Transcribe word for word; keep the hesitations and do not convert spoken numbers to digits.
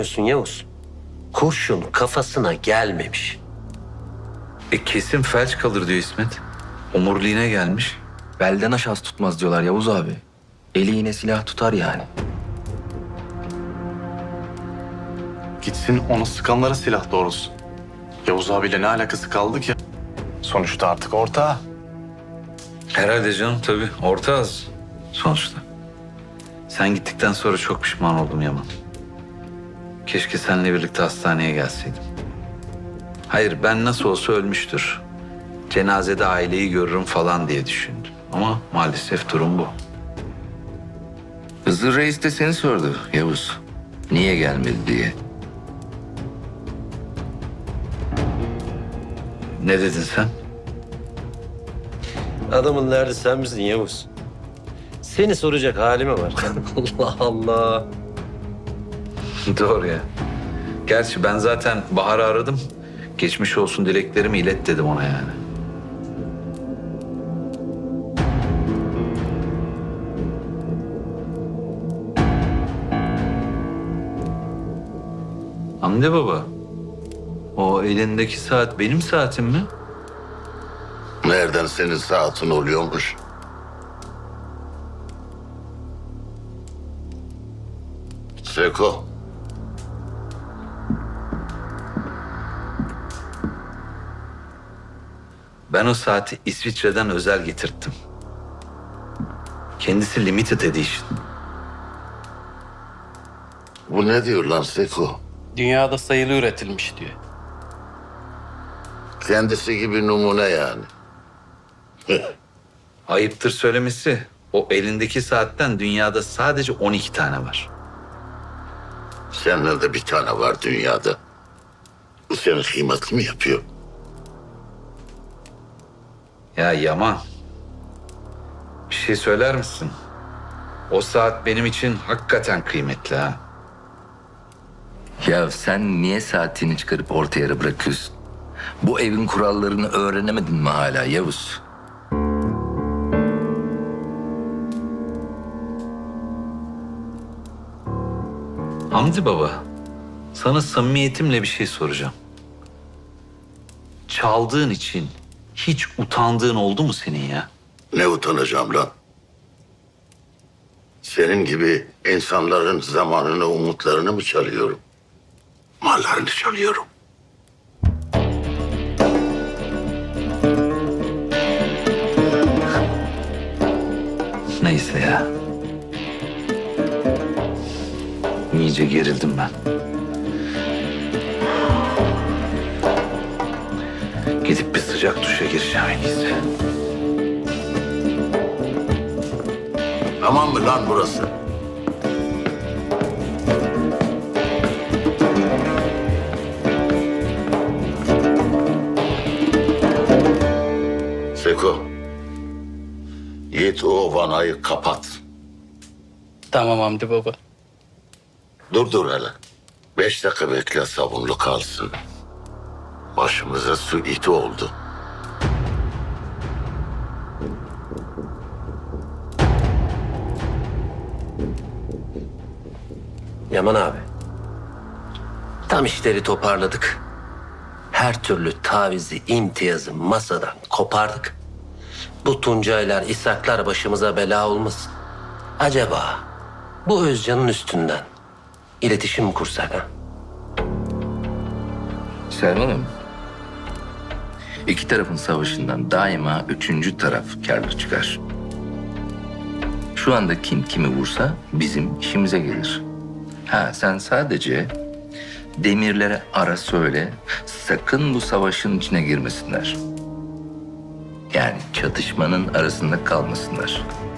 Diyorsun Yavuz. Kurşun kafasına gelmemiş. E kesin felç kalır diyor İsmet. Omuriliğine gelmiş. Belden aşağısı tutmaz diyorlar Yavuz abi. Eli yine silah tutar yani. Gitsin onu sıkanlara silah doğrusu. Yavuz abiyle ne alakası kaldı ki? Sonuçta artık ortağı. Herhalde canım tabii. Orta az sonuçta. Sen gittikten sonra çok pişman oldum Yaman. Keşke seninle birlikte hastaneye gelseydim. Hayır, ben nasıl olsa ölmüştür. Cenazede aileyi görürüm falan diye düşündüm. Ama maalesef durum bu. Hızır Reis de seni sordu Yavuz. Niye gelmedi diye. Ne dedin sen? Adamın derdi sen misin Yavuz? Seni soracak hali mi var? Allah Allah. Doğru ya. Gerçi ben zaten Bahar'ı aradım. Geçmiş olsun dileklerimi ilet dedim ona yani. Hamdi baba, o elindeki saat benim saatim mi? Nereden senin saatin oluyormuş? Seko. Ben o saati İsviçre'den özel getirttim. Kendisi limited edition. Bu ne diyor lan Seko? Dünyada sayılı üretilmiş diyor. Kendisi gibi numune yani. Ayıptır söylemesi. O elindeki saatten dünyada sadece on iki tane var. Senden de bir tane var dünyada. Bu senin kıymetli mi yapıyor? Ya Yaman, bir şey söyler misin? O saat benim için hakikaten kıymetli ha. Ya sen niye saatini çıkarıp orta yere bırakıyorsun? Bu evin kurallarını öğrenemedin mi hala Yavuz? Hamdi baba, sana samimiyetimle bir şey soracağım. Çaldığın için hiç utandığın oldu mu senin ya? Ne utanacağım lan? Senin gibi insanların zamanını, umutlarını mı çalıyorum? Mallarını çalıyorum. Neyse ya. İyice gerildim ben. Gidip bir sıcak duşa gireceğim en iyisi. Tamam mı lan burası? Seko. Git o vanayı kapat. Tamam Hamdi baba. Dur dur hele. Beş dakika bekle sabunlu kalsın. Başımıza su iti oldu. Yaman abi. Tam işleri toparladık. Her türlü tavizi, imtiyazı masadan kopardık. Bu Tuncaylar, İshaklar başımıza bela olmasın. Acaba bu Özcan'ın üstünden iletişim mi kursak ha? Selman'ım, iki tarafın savaşından daima üçüncü taraf kârlı çıkar. Şu anda kim kimi vursa bizim işimize gelir. Ha sen sadece demirlere ara söyle, sakın bu savaşın içine girmesinler. Yani çatışmanın arasında kalmasınlar.